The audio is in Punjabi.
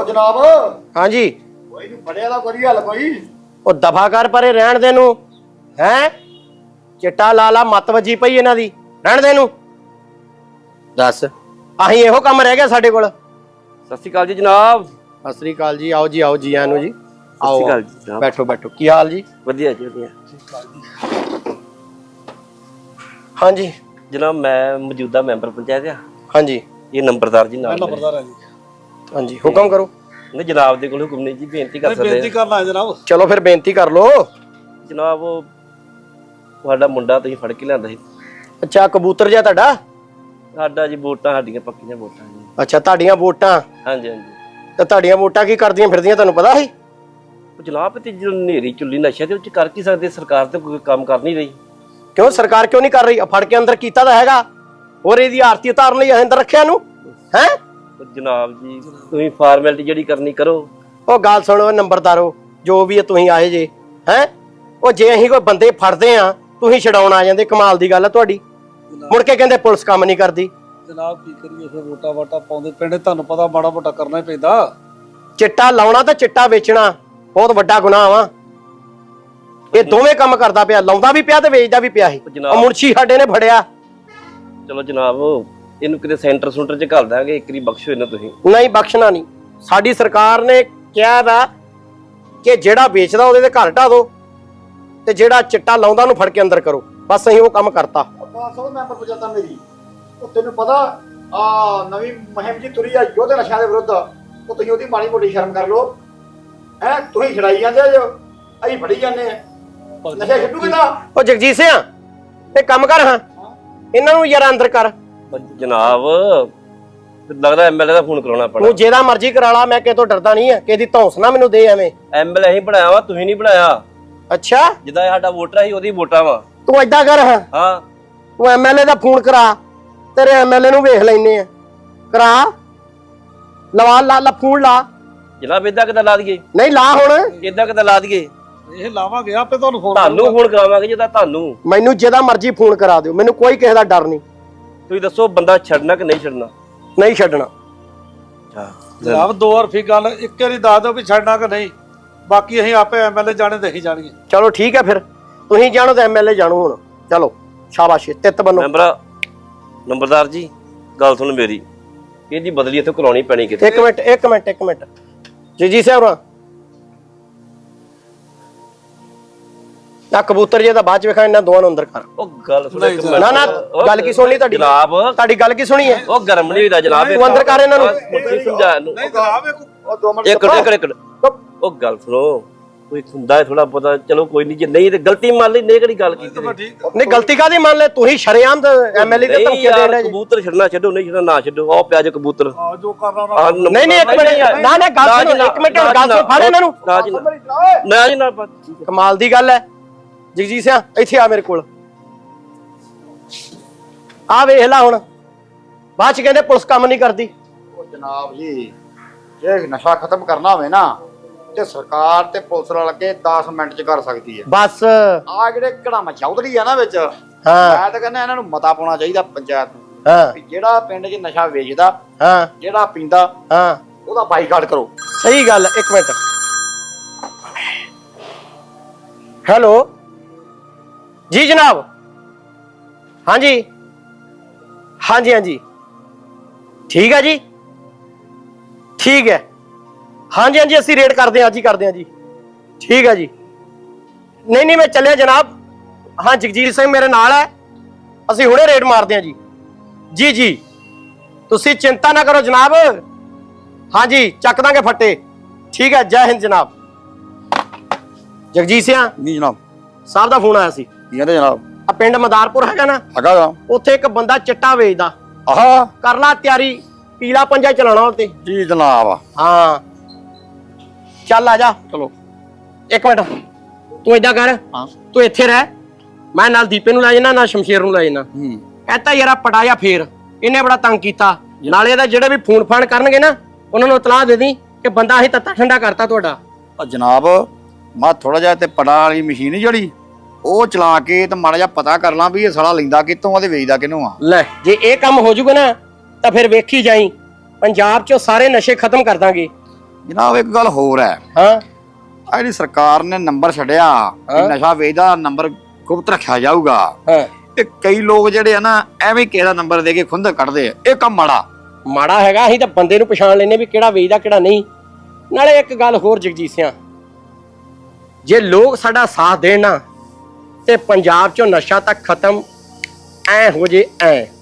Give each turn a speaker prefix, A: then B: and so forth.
A: ਉਹ ਜਨਾਬ।
B: ਹਾਂਜੀ
A: ਕੋਈ ਨਹੀਂ ਫੜਿਆ ਦਾ ਕੋਈ ਹੱਲ ਕੋਈ।
B: ਉਹ ਦਫਾ ਕਰ ਪਰੇ ਰਹਿਣ ਦੇ ਨੂੰ ਹੈ। ਚਿੱਟਾ ਲਾਲਾ ਮੱਤ ਵੱਜੀ ਪਈ ਇਹਨਾਂ ਦੀ, ਰਹਿਣ ਦੇ ਨੂੰ। ਦੱਸ ਆਹੀਂ ਇਹੋ ਕੰਮ ਰਹਿ ਗਿਆ ਸਾਡੇ ਕੋਲ।
C: ਸਤਿ ਸ਼੍ਰੀ ਅਕਾਲ ਜੀ ਜਨਾਬ।
B: ਸਤਿ ਸ੍ਰੀ ਅਕਾਲ ਜੀ, ਆਓ ਜੀ ਆਓ ਜੀ ਆਇਆਂ ਨੂੰ ਜੀ।
C: ਸਤਿ ਸ਼੍ਰੀ ਅਕਾਲ ਜੀ ਜਨਾਬ।
B: ਬੈਠੋ ਬੈਠੋ, ਕੀ ਹਾਲ ਜੀ?
C: ਵਧੀਆ ਜੀ ਵਧੀਆ।
B: ਹਾਂਜੀ
C: ਜਨਾਬ ਮੈਂ ਮੌਜੂਦਾ ਮੈਂਬਰ ਪੰਚਾਇਤ ਆ।
B: ਹਾਂਜੀ
C: ਇਹ ਨੰਬਰਦਾਰ ਜੀ ਨਾਲ
A: ਨੰਬਰਦਾਰ ਹੈ ਜੀ।
B: ਹਾਂਜੀ ਹੁਕਮ ਕਰੋ।
C: ਨਹੀਂ ਜਨਾਬ ਦੇ ਕੋਲ ਹੁਕਮ ਨਹੀਂ ਜੀ, ਬੇਨਤੀ ਕਰ ਸਕਦੇ
A: ਬੇਨਤੀ ਕਰਨਾ ਹੈ ਜਨਾਬ।
B: ਚਲੋ ਫਿਰ ਬੇਨਤੀ ਕਰ ਲੋ।
C: ਜਨਾਬ ਉਹ ਤੁਹਾਡਾ ਮੁੰਡਾ ਤੁਸੀਂ ਫੜ ਕੇ ਲਿਆਂਦਾ ਸੀ।
B: ਅੱਛਾ ਕਬੂਤਰ ਜਿਹਾ ਤੁਹਾਡਾ?
C: ਸਾਡਾ ਜੀ ਵੋਟਾਂ ਸਾਡੀਆਂ ਪੱਕੀਆਂ ਵੋਟਾਂ ਜੀ।
B: ਅੱਛਾ ਤੁਹਾਡੀਆਂ ਵੋਟਾਂ?
C: ਹਾਂਜੀ ਹਾਂਜੀ।
B: ਤੇ ਤੁਹਾਡੀਆਂ ਵੋਟਾਂ ਕੀ ਕਰਦੀਆਂ ਫਿਰਦੀਆਂ ਤੁਹਾਨੂੰ ਪਤਾ ਸੀ?
C: ਉਹ ਜਨਾਬ ਤੇ ਜਦੋਂ ਨੇਰੀ ਚੁੱਲੀ ਨਸ਼ਾ ਤੇ ਉਹ ਚ ਕਰ ਕੀ ਸਕਦੇ, ਸਰਕਾਰ ਤੇ ਕੋਈ ਕੰਮ ਕਰ ਨਹੀਂ ਰਹੀ।
B: ਕਿਉਂ ਸਰਕਾਰ ਕਿਉਂ ਨਹੀਂ ਕਰ ਰਹੀ? ਫੜ ਕੇ ਅੰਦਰ ਕੀਤਾ ਤਾਂ ਹੈਗਾ, ਹੋਰ ਇਹਦੀ ਆਰਤੀ ਉਤਾਰਨ ਲਈ ਅੰਦਰ ਰੱਖਿਆ ਇਹਨੂੰ ਹੈ।
C: ਜਨਾਬ ਜੀ ਤੁਸੀਂ ਫਾਰਮੈਲਿਟੀ ਜਿਹੜੀ ਕਰਨੀ ਕਰੋ।
B: ਉਹ ਗੱਲ ਸੁਣੋ ਨੰਬਰਦਾਰੋ, ਜੋ ਵੀ ਤੁਸੀਂ ਆਏ ਜੇ ਹੈ, ਉਹ ਜੇ ਅਸੀਂ ਕੋਈ ਬੰਦੇ ਫੜਦੇ ਆ ਤੁਸੀਂ ਛਡਾਉਣ ਆ ਜਾਂਦੇ, ਕਮਾਲ ਦੀ ਗੱਲ ਆ ਤੁਹਾਡੀ। ਮੁੜ ਕੇ ਕਹਿੰਦੇ ਪੁਲਿਸ ਕੰਮ ਨਹੀਂ ਕਰਦੀ।
A: ਜਨਾਬ ਕੀ ਕਰੀਏ ਫਿਰ, ਵੋਟਾਂ ਵਾਟਾਂ ਪਾਉਂਦੇ ਪਿੰਡ, ਤੁਹਾਨੂੰ ਪਤਾ ਮਾੜਾ ਮੋਟਾ ਕਰਨਾ ਹੀ ਪੈਂਦਾ।
B: ਚਿੱਟਾ ਲਾਉਣਾ ਤੇ ਚਿੱਟਾ ਵੇਚਣਾ ਬਹੁਤ ਵੱਡਾ ਗੁਨਾਹ ਵਾ। ਇਹ ਦੋਵੇਂ ਕੰਮ ਕਰਦਾ ਪਿਆ, ਲਾਉਂਦਾ ਵੀ ਪਿਆ ਤੇ ਵੇਚਦਾ ਵੀ ਪਿਆ ਸੀ। ਉਹ ਮੁਨਸ਼ੀ ਸਾਡੇ ਨੇ ਫੜਿਆ।
C: ਚਲੋ ਜਨਾਬ ਇਹਨੂੰ ਕਿਤੇ ਸੈਂਟਰ ਸੂਟਰ ਚ ਘੱਲ ਦਾਂਗੇ, ਇੱਕ ਵਾਰੀ ਬਖਸ਼ੋ ਇਹਨਾਂ ਤੁਸੀਂ।
B: ਨਹੀਂ ਬਖਸ਼ਣਾ ਨਹੀਂ। ਸਾਡੀ ਸਰਕਾਰ ਨੇ ਕਿਹਾ ਵਾ ਕਿ ਜਿਹੜਾ ਵੇਚਦਾ ਉਹਦੇ ਤੇ ਘਰ ਢਾ ਦੋ ਤੇ ਜਿਹੜਾ ਚਿੱਟਾ ਲਾਉਂਦਾ ਉਹਨੂੰ ਫੜ ਕੇ ਅੰਦਰ ਕਰੋ। ਬਸ ਅਸੀਂ ਉਹ ਕੰਮ ਕਰਤਾ।
A: ਸਭ ਮੈਂਬਰ ਪੰਚਾਇਤਾਂ ਮੇਰੀ, ਉਹ ਤੈਨੂੰ ਪਤਾ ਆ ਨਵੀਂ ਮੁਹਿੰਮ ਜੀ ਤੁਰੀ ਆ ਯੋਧੇ ਨਸ਼ਿਆਂ ਦੇ ਵਿਰੁੱਧ। ਉਹ ਤੁਸੀਂ ਉਹਦੀ ਮਾੜੀ ਮੋਟੀ ਸ਼ਰਮ ਕਰ ਲਓ ਹੈ। ਤੁਸੀਂ ਛੜਾਈ ਜਾਂਦੇ ਜੋ, ਅਸੀਂ ਫੜੀ ਜਾਂਦੇ ਆ। ਨਸ਼ਾ ਛੱਡੂ ਕਿਦਾਂ?
B: ਉਹ ਜਗਜੀਤ ਸਿੰਘ ਇਹ ਕੰਮ ਕਰ, ਹਾਂ ਇਹਨਾਂ ਨੂੰ ਯਾਰ ਅੰਦਰ ਕਰ।
C: ਜਨਾਬ ਲੱਗਦਾ ਐਮਐਲਏ ਦਾ ਫੋਨ ਕਰਾਉਣਾ ਪੈਣਾ।
B: ਤੂੰ ਜਿਹਦਾ ਮਰਜ਼ੀ ਕਰਾ ਲਾ, ਮੈਂ ਕਿਸੇ ਤੋਂ ਡਰਦਾ ਨਹੀਂ ਆ। ਕਿਸੇ ਦੀ ਧੌਂਸ ਨਾ ਮੈਨੂੰ ਦੇ ਐਵੇਂ।
C: ਐਮਐਲਏ ਅਸੀਂ ਬਣਾਇਆ ਵਾ, ਤੁਸੀਂ ਨਹੀਂ ਬਣਾਇਆ।
B: ਅੱਛਾ
C: ਜਿੱਦਾਂ ਸਾਡਾ ਵੋਟਰ ਸੀ ਉਹਦੀ ਵੋਟਾਂ ਵਾ।
B: ਤੂੰ ਏਦਾਂ ਕਰ,
C: ਹਾਂ
B: ਤੂੰ ਐਮਐਲਏ ਦਾ ਫੋਨ ਕਰਾ, ਤੇਰੇ ਐਮਐਲਏ ਨੂੰ ਵੇਖ ਲੈਨੇ ਆ। ਕਰਾ ਲਵਾ ਲਾ ਫੋਨ ਲਾ।
C: ਜਨਾਬ ਏਦਾਂ ਕਿੱਦਾਂ ਲਾ ਦਈਏ?
B: ਨਹੀਂ ਲਾ ਹੁਣ।
C: ਏਦਾਂ ਕਿੱਦਾਂ ਲਾ ਦਈਏ?
A: ਇਹ ਲਾਵਾਂਗੇ ਆਪੇ ਤੁਹਾਨੂੰ ਫੋਨ।
C: ਤੁਹਾਨੂੰ ਫੋਨ ਕਰਾਵਾਂਗੇ ਜਿੱਦਾਂ ਤੁਹਾਨੂੰ।
B: ਮੈਨੂੰ ਜਿਹਦਾ ਮਰਜ਼ੀ ਫੋਨ ਕਰਾ ਦਿਓ, ਮੈਨੂੰ ਕੋਈ ਕਿਸੇ ਦਾ ਡਰ ਨਹੀਂ।
C: ਤੁਸੀਂ ਦੱਸੋ ਬੰਦਾ ਛੱਡਣਾ ਕਿ ਨਹੀਂ ਛੱਡਣਾ?
B: ਨਹੀਂ ਛੱਡਣਾ।
A: ਜਨਾਬ ਦੋ ਵਾਰ ਫੀ ਗੱਲ ਇੱਕ ਵਾਰੀ ਦੱਸ ਦਿਓ ਵੀ ਛੱਡਣਾ ਕਿ ਨਹੀਂ, ਬਾਕੀ ਅਸੀਂ ਆਪੇ ਐਮਐਲਏ ਜਾਣੇ ਦੇਖੀ ਜਾਣਗੇ।
B: ਚਲੋ ਠੀਕ ਹੈ ਫਿਰ, ਤੁਸੀਂ ਜਾਣੋ ਤੇ ਐਮਐਲਏ ਜਾਣੋ ਹੁਣ। ਚਲੋ ਸ਼ਾਬਾਸ਼, ਤਿੱਤ ਬੰਨੋ।
C: ਨੰਬਰਦਾਰ ਜੀ ਗੱਲ ਸੁਣ ਮੇਰੀ, ਇਹਦੀ ਬਦਲੀ ਇੱਥੇ ਕਰਾਉਣੀ ਪੈਣੀ ਕਿਤੇ।
B: ਇੱਕ ਮਿੰਟ ਜੀ ਸਾਹਿਬ ਆ ਕਬੂਤਰ ਜੇ ਤਾਂ ਬਾਅਦ ਚ ਵੇਖਾਂ, ਇਹਨਾਂ ਦੋਵਾਂ ਨੂੰ ਅੰਦਰ ਕਰ।
C: ਉਹ ਗੱਲ ਸੁਣ
B: ਨਾ ਨਾ ਗੱਲ ਕੀ ਸੁਣਨੀ ਤੁਹਾਡੀ?
C: ਜਨਾਬ
B: ਤੁਹਾਡੀ ਗੱਲ ਕੀ ਸੁਣੀ ਹੈ?
C: ਉਹ ਗਰਮ ਨਹੀਂ ਹੋਈਦਾ ਜਨਾਬ।
B: ਤੂੰ ਅੰਦਰ ਕਰ ਇਹਨਾਂ ਨੂੰ।
C: ਸਮਝਾ ਇਹਨੂੰ।
A: ਨਹੀਂ ਜਨਾਬ ਉਹ 2 ਮਿੰਟ
C: ਇੱਕ ਉਹ ਗੱਲ ਸੁਣੋ, ਕੋਈ ਹੁੰਦਾ ਹੈ ਥੋੜਾ ਪਤਾ। ਚਲੋ ਕੋਈ ਨਹੀਂ, ਜੇ ਨਹੀਂ ਤੇ ਗਲਤੀ ਮੰਨ ਲਈ, ਨਹੀਂ ਕਿਹੜੀ ਗੱਲ ਕੀਤੀ।
B: ਨਹੀਂ ਗਲਤੀ ਕਾਦੀ ਮੰਨ ਲੈ? ਤੁਸੀਂ ਸ਼ਰੇਆਮ ਐਮਐਲਏ ਦੇ ਧਮਕੀ ਦੇ ਰਹੇ ਜੀ।
C: ਕਬੂਤਰ ਛੱਡਣਾ ਛੱਡੋ, ਨਹੀਂ ਛੱਡਣਾ ਨਾ ਛੱਡੋ। ਆਹ ਪਿਆ ਜੇ ਕਬੂਤਰ।
A: ਜੋ ਕਰਨਾ
B: ਨਹੀਂ ਇੱਕ ਮਿੰਟ ਨਾ ਗੱਲ ਸੁਣੋ, ਇੱਕ ਮਿੰਟ ਗੱਲ ਸੁਣ, ਫੜ ਇਹਨਾਂ ਨੂੰ।
C: ਨਾ ਜੀ ਨਾ।
B: ਕਮਾਲ ਦੀ ਗੱਲ ਹੈ ਜਗਜੀਤ ਸਿੰਘ, ਇੱਥੇ ਆ ਮੇਰੇ ਕੋਲ। ਆ ਵੇਖ ਲੈ ਹੁਣ, ਬਾਅਦ ਚ ਕਹਿੰਦੇ ਪੁਲਿਸ ਕੰਮ ਨਹੀਂ ਕਰਦੀ।
A: ਉਹ ਜਨਾਬ ਜੀ ਜੇ ਨਸ਼ਾ ਖਤਮ ਕਰਨਾ ਹੋਵੇ ਨਾ ਤੇ ਸਰਕਾਰ ਤੇ ਪੁਲਿਸ ਨਾਲ ਲੱਗੇ 10 ਮਿੰਟ ਚ ਕਰ ਸਕਦੀ ਹੈ।
B: ਬਸ
A: ਆ ਜਿਹੜੇ ਘੜਾਮਾ ਚੌਧਰੀ ਆ ਨਾ ਵਿੱਚ, ਮੈਂ ਤਾਂ ਕਹਿੰਦਾ ਇਹਨਾਂ ਨੂੰ ਮਤਾ ਪਾਉਣਾ ਚਾਹੀਦਾ ਪੰਚਾਇਤ ਨੂੰ।
B: ਹਾਂ
A: ਜਿਹੜਾ ਪਿੰਡ 'ਚ ਨਸ਼ਾ ਵੇਚਦਾ,
B: ਹਾਂ
A: ਜਿਹੜਾ ਪੀਂਦਾ,
B: ਹਾਂ
A: ਉਹਦਾ ਬਾਈਕਾਟ ਕਰੋ।
B: ਸਹੀ ਗੱਲ। ਇੱਕ ਮਿੰਟ, ਹੈਲੋ ਜੀ ਜਨਾਬ। ਹਾਂਜੀ ਹਾਂਜੀ ਠੀਕ ਹੈ ਜੀ, ਠੀਕ ਹੈ। ਹਾਂਜੀ ਅਸੀਂ ਰੇਡ ਕਰਦੇ ਹਾਂ, ਅੱਜ ਹੀ ਕਰਦੇ ਹਾਂ ਜੀ। ਠੀਕ ਹੈ ਜੀ। ਨਹੀਂ ਮੈਂ ਚੱਲਿਆ ਜਨਾਬ। ਹਾਂ ਜਗਜੀਤ ਸਿੰਘ ਮੇਰੇ ਨਾਲ ਹੈ, ਅਸੀਂ ਹੁਣੇ ਰੇਡ ਮਾਰਦੇ ਹਾਂ ਜੀ। ਜੀ ਤੁਸੀਂ ਚਿੰਤਾ ਨਾ ਕਰੋ ਜਨਾਬ। ਹਾਂਜੀ ਚੱਕ ਦਾਂਗੇ ਫੱਟੇ। ਠੀਕ ਹੈ, ਜੈ ਹਿੰਦ ਜਨਾਬ। ਜਗਜੀਤ ਸਿੰਘ
A: ਨਹੀਂ ਜਨਾਬ
B: ਸਾਹਿਬ ਦਾ ਫੋਨ ਆਇਆ ਸੀ।
A: ਕੀ ਕਹਿੰਦੇ ਜਨਾਬ?
B: ਆ ਪਿੰਡ ਮਦਾਰਪੁਰ ਹੈਗਾ ਨਾ,
A: ਹੈਗਾ
B: ਉੱਥੇ ਇੱਕ ਬੰਦਾ ਚਿੱਟਾ ਵੇਚਦਾ।
A: ਆਹਾ
B: ਕਰ ਲਾ ਤਿਆਰੀ, ਪੀਲਾ ਪੰਜਾ ਚਲਾਉਣਾ ਉੱਤੇ।
A: ਜੀ ਜਨਾਬ।
B: ਹਾਂ ਚੱਲ ਆ ਜਾ।
A: ਚਲੋ
B: ਇੱਕ ਮਿੰਟ, ਤੂੰ ਏਦਾਂ ਕਰ, ਤੂੰ ਇੱਥੇ ਰਹਿ, ਮੈਂ ਨਾਲ ਦੀਪੇ ਨੂੰ ਲੈ ਜਾਣਾ, ਨਾਲ ਸ਼ਮਸ਼ੇਰ ਨੂੰ ਲੈ ਜਾਣਾ। ਕਹਤਾ ਯਾਰ ਪਟਾਇਆ ਫੇਰ ਇਹਨੇ ਬੜਾ ਤੰਗ ਕੀਤਾ। ਨਾਲੇ ਇਹਦਾ ਜਿਹੜੇ ਵੀ ਫੋਨ ਫਾਨ ਕਰਨਗੇ ਨਾ, ਉਹਨਾਂ ਨੂੰ ਇਤਲਾਹ ਦੇ ਦੀ ਕਿ ਬੰਦਾ ਅਸੀਂ ਤੱਤਾ ਠੰਡਾ ਕਰਤਾ ਤੁਹਾਡਾ।
A: ਜਨਾਬ ਮੈਂ ਥੋੜਾ ਜਿਹਾ ਤੇ ਪੜਾ ਵਾਲੀ ਮਸ਼ੀਨ ਜਿਹੜੀ ਉਹ ਚਲਾ ਕੇ ਤੇ ਮਾੜਾ ਜਿਹਾ ਪਤਾ ਕਰ ਲਾਂ ਵੀ ਇਹ ਸਾਲਾ ਲੈਂਦਾ ਕਿੱਥੋਂ ਆ ਤੇ ਵੇਚਦਾ ਕਿਹਨੂੰ ਆ।
B: ਲੈ ਜੇ ਇਹ ਕੰਮ ਹੋ ਜੂਗਾ ਨਾ ਤਾਂ ਫਿਰ ਵੇਖੀ ਜਾਈ, ਪੰਜਾਬ 'ਚੋਂ ਸਾਰੇ ਨਸ਼ੇ ਖਤਮ ਕਰ ਦਾਂਗੇ।
A: ਜਨਾਬ ਇੱਕ ਗੱਲ ਹੋਰ ਹੈ,
B: ਹਾਂ
A: ਆ ਜਿਹੜੀ ਸਰਕਾਰ ਨੇ ਨੰਬਰ ਛੱਡਿਆ ਕਿ
B: ਹਾਂ।
A: ਨਸ਼ਾ ਵੇਚਦਾ ਨੰਬਰ ਗੁਪਤ ਰੱਖਿਆ ਜਾਊਗਾ,
B: ਹਾਂ
A: ਇਹ ਕਈ ਲੋਕ ਜਿਹੜੇ ਆ ਨਾ ਐਵੇਂ ਕਿਸੇ ਦਾ ਨੰਬਰ ਦੇ ਕੇ ਖੁੰਦਕ ਕੱਢਦੇ ਆ, ਇਹ ਕੰਮ
B: ਮਾੜਾ ਹੈਗਾ। ਅਸੀਂ ਤਾਂ ਬੰਦੇ ਨੂੰ ਪਛਾਣ ਲੈਨੇ ਵੀ ਕਿਹੜਾ ਵੇਚਦਾ ਕਿਹੜਾ ਨਹੀਂ। ਨਾਲੇ ਇੱਕ ਗੱਲ ਹੋਰ ਜਗਜੀਤ ਸਿੰਘ, ਜੇ ਲੋਕ ਸਾਡਾ ਸਾਥ ਦੇਣ ਨਾ ਤੇ ਪੰਜਾਬ ਚੋਂ ਨਸ਼ਾ ਤਾਂ ਖਤਮ ਐ ਹੋ ਜੇ ਐ।